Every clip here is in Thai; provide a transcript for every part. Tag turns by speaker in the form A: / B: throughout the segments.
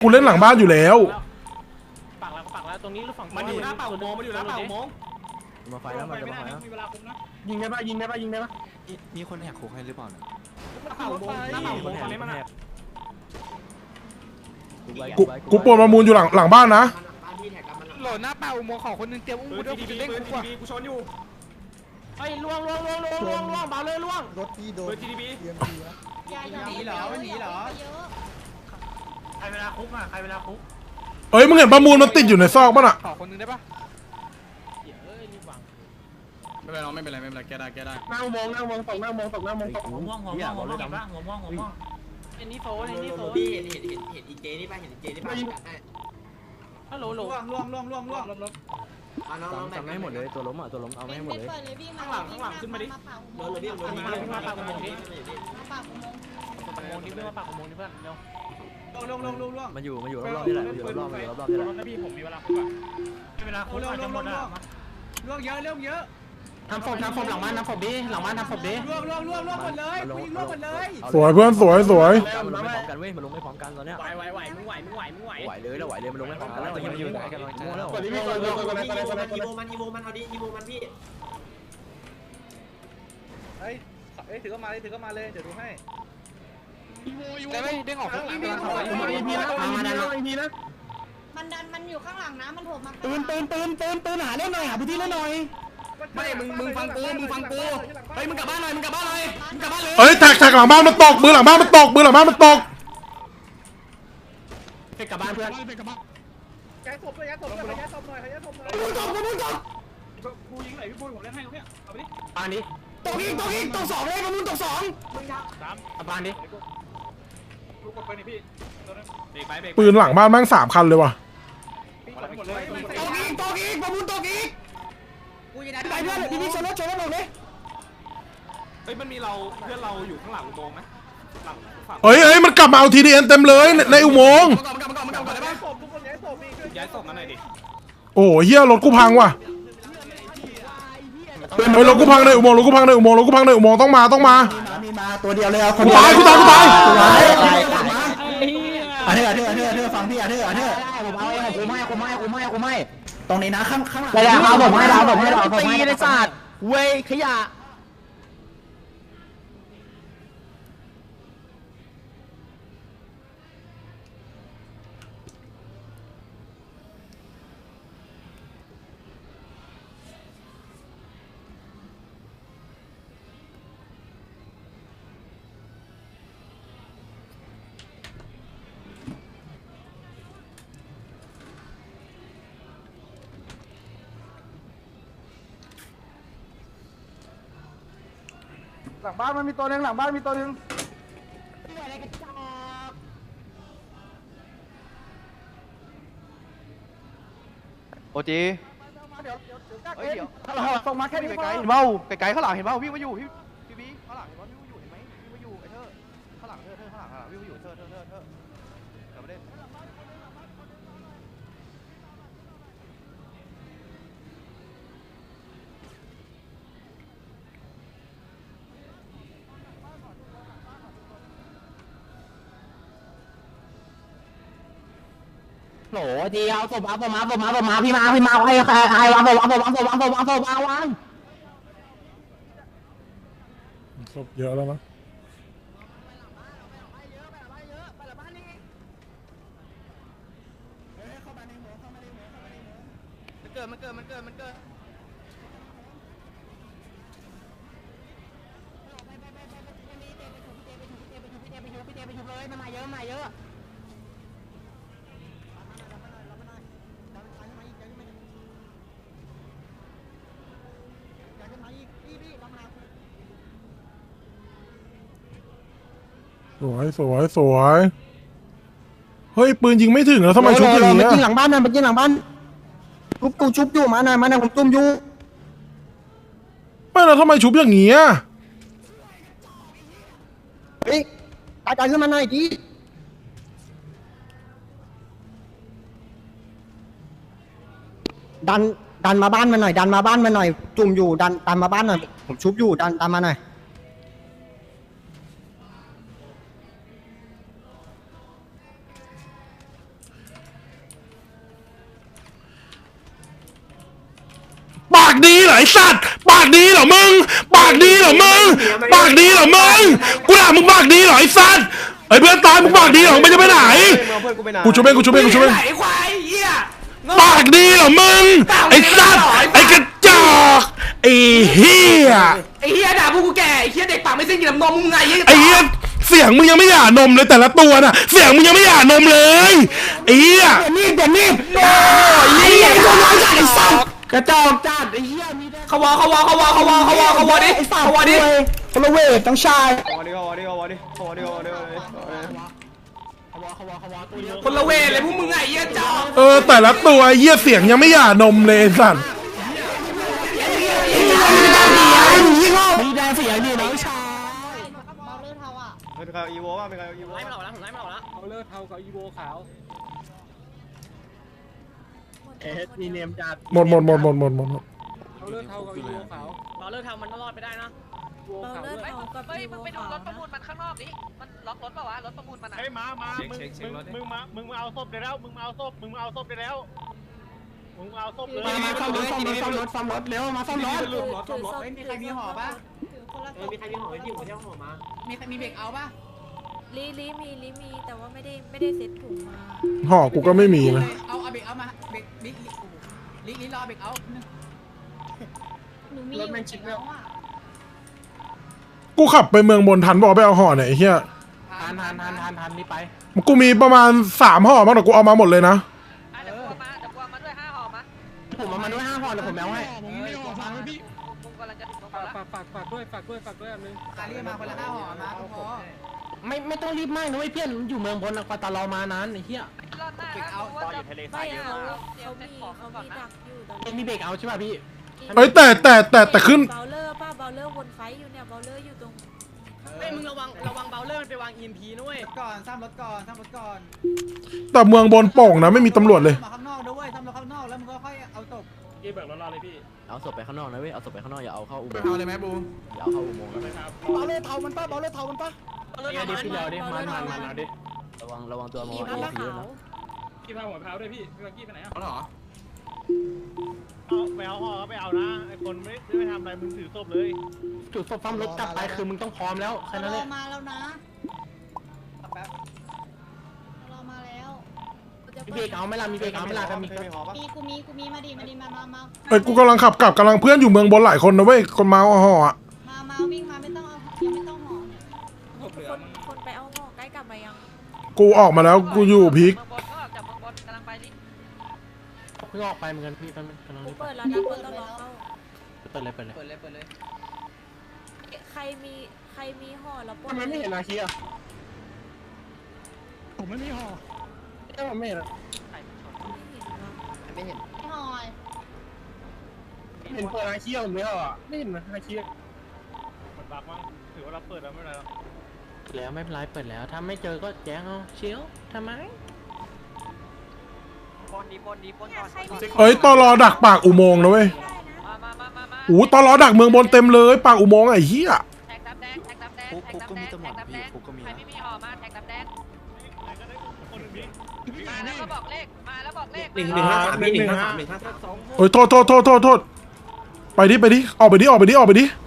A: กูเล่นหลังบ้านอยู่แล้ว
B: ปักแล้วตรงนี้หรือฝั่ง
C: มันอยู่หน้าปากอุโมงค์มันอยู่หน้าปากอุโมงค์
D: มาไฟแล้วมันจะมาไฟแล้ว
C: ยิงได้ปะยิงได้ปะยิงได้ปะ
D: มีคนแหกคุกให้หรือเปล่าเนี่ย
C: หน้าปากอุโมงค์หน้าปากอุโมงค์ตอนนี้มันอะ
A: กูปวดประมูลอยู่หลังบ้านนะ
E: โหลดหน้าเป่าอุโมงค์ของคนนึงเตรียมอุ้มกูด้วยกูจะเล่นกูกว่า
C: กูชนอยู่
B: เฮ้ยล่วงเบาเลยล่วง
F: รถที่โด
C: เบ
F: น
C: อร์ GDP
F: เตรียมดีนะ
G: หนีเหรอหนีเหรอ
C: ใครเวลาคุกอ่ะใครเวลาคุก
A: เอ้ยมึงเห็นประมูลมันติดอยู่ในซอกป่ะน่ะ
E: ขอคนนึงได้ปะ
C: ไม่เป็นไรแกได้หน้าอุโมงค์ตกหน้าอุโมงค์ตก
B: หัวม่วงเห็นปะหัวม่วงเอ็นนี่โฟ
G: พี่เห็นอีเจนี่ป่ะเห็นอีเจนี่ป่ะ
B: ฮัลโหล
G: ล่วงเอาน้อง
D: จำไม่หมดเลยตัวล้มอ่ะตัวล้มเอาไม่ให้หมดเลย
C: ข้างหลังขึ้นมาดิ
G: โดนเลยพี่โดน
B: มาปากอุโมงค์นี้เพื่อนมาปากอุโมงค์นี้เพื่อนเร็ว
C: ล่วง
D: มันอยู่รอบๆนี่แหละมันอยู่รอบๆนี่แหละ
B: นะพี่ผมมีเวลาคุกอ่ะเวลาคุกอาจจะหมดอ่ะ
C: ล่วงเยอะ
B: ทำศพหลังบ้านทำศพดิหลังบ้านทำศพดิ
C: ล่วงหมดเลยกูยิงล่วงหมดเลย
A: สวยเพื่อนสวย
D: มันลงไม่พร้อมกันเว้ยมันลงไม่พร้อมกันตอนเนี้ย
B: ไหวมึงไหว
D: ไหวเลยมันลงไม่พร้อมกันแล้วมันอยู่ไหนกันลองใจแล้ว
G: อีโมมันเอาดิอีโมมันพี่
E: เฮ้ยถือก็มาเลยเดี๋ยวดูให้ได้ไหมเด้งออกข้างหลังกำลังเข้าไป
H: มันดันมันอยู่ข้างหลังนะมันโผล่มา
C: ตื่นหาเล่นหน่อยหาพื้นที่เล่นหน่อยไม่มึงฟังกูเฮ้ยมึงกลับบ้านเลย
A: เอ้ยแท็กหลังบ้านมันตกมือหลังบ้านมันตก
C: กลับบ้านเพื่อนแกศพหน่อยกูยิงไหนพี่ปุ้ยผมเล่นให้เขาเนี่ยเอาไปดิ
B: ปานดิ
C: ตกอีกตกสองเลยมึงตกสอง
B: ปานดิ
C: ลูกกดไปนี่พี่เบรก
A: ปืนหลังบ้านแม่ง3 คันเลยว่ะ
C: หมดเลยตกอีกประมูลตกอีกกูยิงได้เพื่อนพี่ชนรถหมดเลยเฮ้ยมันมีเราเพื่อนเราอยู่ข้างหลังอุโมงค์ไหมหลังฝั่ง
A: เอ้ยมันกลับมาเอา TDN เต็มเลยในอุโมงค์
C: มันกลับได้ไหมย้ายศพมาหน่อยดิ
A: โอ้เฮียรถกูพังว่ะเฮ้ยรถกูพังในอุโมงค์ต้องมา
F: มีมาตัวเดียวเลยเอาคน
A: กูตาย
F: เธอฟังพี่ผมไม่ตรงนี้นะข้างหลังเราผมให้ตีในศาสตร์เว้ยขยะ
C: หลังบ้านมันมีตัวนึง
E: โอจี
C: เฮ้ยเดี๋ยวส่งมาแค่นี้
E: ไกลๆเห็นเปล่าไกลๆข้างหลังเห็นเปล่าพี่มาอยู่พี่บีข้างหลังเห็นเปล่าพี่มาอยู่เห็นไหมพี่มาอยู่ไอ้เธอข้างหลังข้างหลังพี่มาอยู่เธอกลับมาเล่น
F: โหทีเอาศพมาพี่มาให้วาง
A: ศพเยอะแล้วนะ
E: มันเกิด
A: สวยเฮ้ยปืนยิงไม่ถึงแล้วทำไมชุบอย่าง
F: มัน
A: เงี้ย
F: ยิงหลังบ้านชุบอยู่มาหน่อยผมจุ่มอยู่
A: ไม่แล้วทำไมชุบอย่างเงี้ย
F: เฮ้ยตายขึ้นมาหน่อยดิดันมาบ้านมาหน่อยจุ่มอยู่ดันมาบ้านหน่อยผมชุบอยู่ดันมาหน่อย
A: สเหรอไอ้สัตว์ปากดีเหรอมึงปากดีเหรอมึงปากดีเหรอมึงกูด่ามึงปากดีเหรอไอ้สัตว์ไอ้เพื่อนตายมึงปากดีเหรอมึงจะไปไหนกูช่วยเองกูช่วยเองกูช่วยเอง
C: ไอ้ควายเหี้ย
A: ปากดีเหรอมึงไอ้สัตว์ไอ้กระจอกไอ้เหี้ย
C: ไอ้เหี้ยด่าพวกกูแก่ไอ้เหี้ยเด็กปากไม่สิ้นกินน้ำนมมึงไง
A: ไอ้เหี้ยเสียงมึงยังไม่หย่านมเลยแต่ละตัวน่ะเสียงมึงยังไม่หย่านมเลยไอ้เหี้ย
F: นี่เดี๋ยวนี่โอ้ยไอ้เหี้ยตัวน้อยจัดไอ้สัตว์กระจอกจัดไอ้เหี้ยมีได้
C: เขาวอดิ
F: ไอ้สัตว์
C: เขาวอดิ
F: คนละเวทต้องชาย
C: คนละเวรเลยพวกมึงไงเหี้ยจ้า
A: แต่ละตัวไอ้เหี้ยเสียงยังไม่หย่านมเลยไอ้สัตว์
F: มีแดงเสียนี่น้องชาย
H: เบาเลือดเทาอ่ะ
E: เป็นใครอีโวบ้างเป็นใครอีโว
C: ไล่มันออกแล้วผมไล่มันออกแล้ว
B: เอาเลือดเทากับอีโวขาว
F: มีเนมจัด
A: หมด
B: เอาเลือดเทากับอีโวขาว
C: เราเลิกทำมันรอดไปได้นะ
B: อีโวขาวด้วย
I: เฮ้ยมึงไปดูรถประมูลมันข้างนอกดิมันล็อกรถป่าวะรถประมูลมันอะ
C: มึงเอาศพได้แล้วมึงเอาศพได้แล้วมึงเอาศพเลย
F: มาซ่อมรถเร็วมาซ่อมรถ
H: มีใครมีห่อป่ะคนละ
G: มีใครมีห่อไหมพี่ผมเที่ยวห่อมา
H: มีเบรกเอาป่ะ
I: ลีมีแต่ว่าไม่ได้เซ็ตถุงมา
A: ห่อกูก็ไม่มีนะ
H: เอาเบรกเอามาเบรกลิรอเบรกเอาหนูมีรถแมนชิปแล้วอ่ะ
A: กูขับไปเมืองบนทันบอกไปเอาห่อเนี่ยไอ้เหี้ย
F: ทันนี่ไป
A: กูมีประมาณ3ห่อมั้งแต่กูเอามาหมดเลยนะ
I: เดี๋ยวกูเอามาด้วย5 ห่อมา
F: ผมเอามาด้วย5ห่อเดี๋ยวผมแมวให้
I: มึงกำลังจะถึงตรงแล้ว
B: ฝากด้วยอันนึง
H: เรียกมาคนละ5ห่อมาพอ
F: ไม่ต้องรีบมากนะเว้ยเพื่อนอยู่เมืองบนกว่าตลอมานานไอ้เหี้ย
I: รอดหน้าเอาว่าจะไม่เอาเขามีดักอยู่ตอนนี้
F: มีเบรกเอาใช่ป่ะพี่
A: แต่ขึ้น
I: เบลเลอร์ป้าเบลเลอร์วนไฟอยู่เนี่ยเบลเลอร์อยู่ตรง
C: เฮ้ยมึงระวังเบลเลอร์มันไปวาง EMP นะเว้ย
H: ก่อนซ่อมรถก่อน
A: แต่เมืองบนโป่งนะไม่มีตำรวจเลย
H: มาข้างนอกด้วยซ่อมรถข้างนอกแล้วมึงก็ค่อยเอาศพ
B: พี่เบิกรถรอเลยพี่
D: เอาศพไปข้างนอกนะเว้ยเอาศพไปข้างนอกอย่าเอาเข้าอุโมงค์
E: เอาเลยไหมบู
D: อย่าเอาเข้าอุโมงค์นะ
F: เบาเลือดเทามันป่ะดิเอาดิมันเอาดิ
D: ระวังตัวมอ
I: มี
D: ง
I: ผ้า
D: เอพี
I: ขาว
D: นะ
B: พี่พาหัวเท้าด้วยพี่พี่กี้ไปไหนอ่ะ
E: เอาเหรอ
C: เอาไปเอาห่อไปเอานะไอ้คนไม่ทำอะไรมึงถือศพเลย
F: จุดศพซ่อมรถกลับไปคือมึงต้องพร้อมแล้วแค่นั้นแหละ
H: มาแล้วนะแป๊บรอมาแล้ว
F: มีเบรกเอาไหมล่ะมีเบรกเอาไหมล่ะกันมี
E: มีหอปะ
H: กูมีมาดิมา
A: เอ้ยกูกำลังขับกลับกำลังเพื่อนอยู่เมืองบนหลายคนนะเว้ยคนเมาเอาห่ออะ
H: มาวิ่งมาไม่ต้องเอายังไม่ต้องห่อ
I: คนไปเอาห่อใกล้กลับมายัง
A: กูออกมาแล้วกูอยู่พีค
I: เมืองบนก็จากเมืองบนกำลังไปดิ
F: เพิ่งออกไปเหมือนกันพี่กำลัง
I: กู
F: รีบ
I: เปิดแล้วนะเปิดตลอดเข้า
F: เปิดเลย
I: ใครมีห่อแล้วปน
F: ทำไมไม่เห็นอาคีอ่ะผมไม่มีห่อผมไม่เห็น
H: ไม่ห่อ
F: เห็นเปิดอาคีผมไม่ห่อไม่เห็นอาคี
C: มันบักมั้งถือว่าเราเปิดแล้วไม่เป็นไรหรอก
F: แล้วไม่เป็นไรเปิดแล้วถ้าไม่เจอก็แจ้งเอาเชียวทำไม
I: ปนก่อน
A: เอ้ยตอรอดักปากอุโมงค์นะเว้ย
I: มา
A: โอ้ตอรอดักเมืองบนเต็มเลยปากอุโมงค์ไอ้เหี้ย
I: แท็กดับแดงใครไม่มีห่อมาแท็กดับแดงมาแล้วก็บอกเลข
G: 153พี่153
A: โอ้ยโทษไปดิออกไปดิ
E: ไปเลย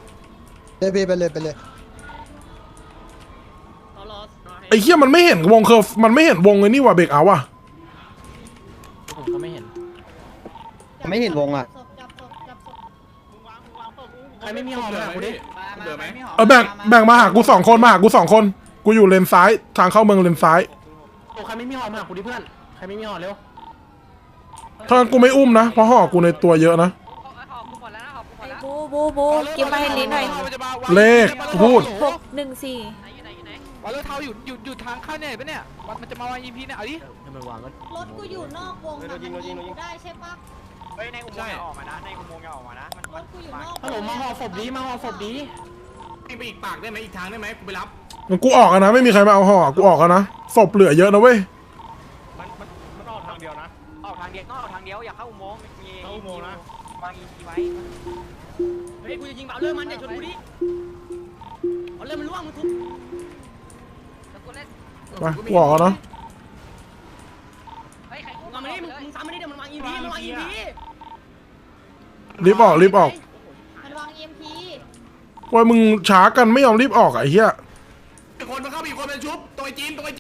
A: ไอ้เหี้ยมันไม่เห็นวงเคอร์มันไม่เห็นวงเลยนี่ว่าเบรกเอาว่ะ
F: ผมก็ไม่เห็น
E: ไม่เห็นวงอ่ะ
H: จับศพ
C: มึงวางศพ
F: ใครไม่มีห่อมากูดิ
E: เหลือไหม
A: แบ่งมาหากู2 คนกูอยู่เลนซ้ายทางเข้าเมืองเลนซ้าย
F: โอ้ใครไม่มีห่อมากูดิเพื่อนใครไม่มีห่อเร็ว
A: ถ้ากูไม่อุ้มนะเพราะห่อกูในตัวเยอะนะ
I: ห่อกูหมดแล้วนะห่อกูหมดแล้วบูเก็บมาให้ลิ้นหน่อย
A: เลขพูด
I: 614 ไหน
E: วอลเลอร์เทาอยู่ทางเข้าเนี่ยปะเนี่ยมันจะมาวาง EP เนี่ยเอาดิ
D: ให้มันวางก็
H: รถกูอยู่นอกวงแต่มันยิงกูได้ใช่ปะ
E: เฮ้ยในอุโมงค์ออกมานะในอุโมงค์ออกมานะ
H: รถกูอยู่นอก
F: ฮัลโหลมาห่อศพดีมาห่อศพดี
E: ไปอีกปากได้ไหมอีกทางได้ไหมกูไปรับ
A: กูออกอะนะไม่มีใครมาเอาห่อกูออกอะนะศพเหลือเยอะนะเว้ย
C: มันออกทางเดียวนะ
E: ออกทางเดียวต้องออกทางเดียวอย่าเข้าอุโมงค์มี
C: เข้าอุโมงค์นะ
E: วาง EP ไว้
C: เฮ้ยกูจะยิงเบลเลอร์มันอย่าชนกูดิเบลเลอร์มันล่วงมึงทุบ
I: แล้วกูเล่น
A: ไปกูออกอะนะ
I: เฮ้ยใครอุ้ม
C: มึงซ้ำมันนี่เดี๋ยวมันวาง EP มันวาง EP
A: รีบออก
C: ม
A: ว่ามึงช้ากันไม่ยอมรีบออกอะไอ้เหี้ย
C: คนมาเข้าอีกคนเป็นชุบตัวจีน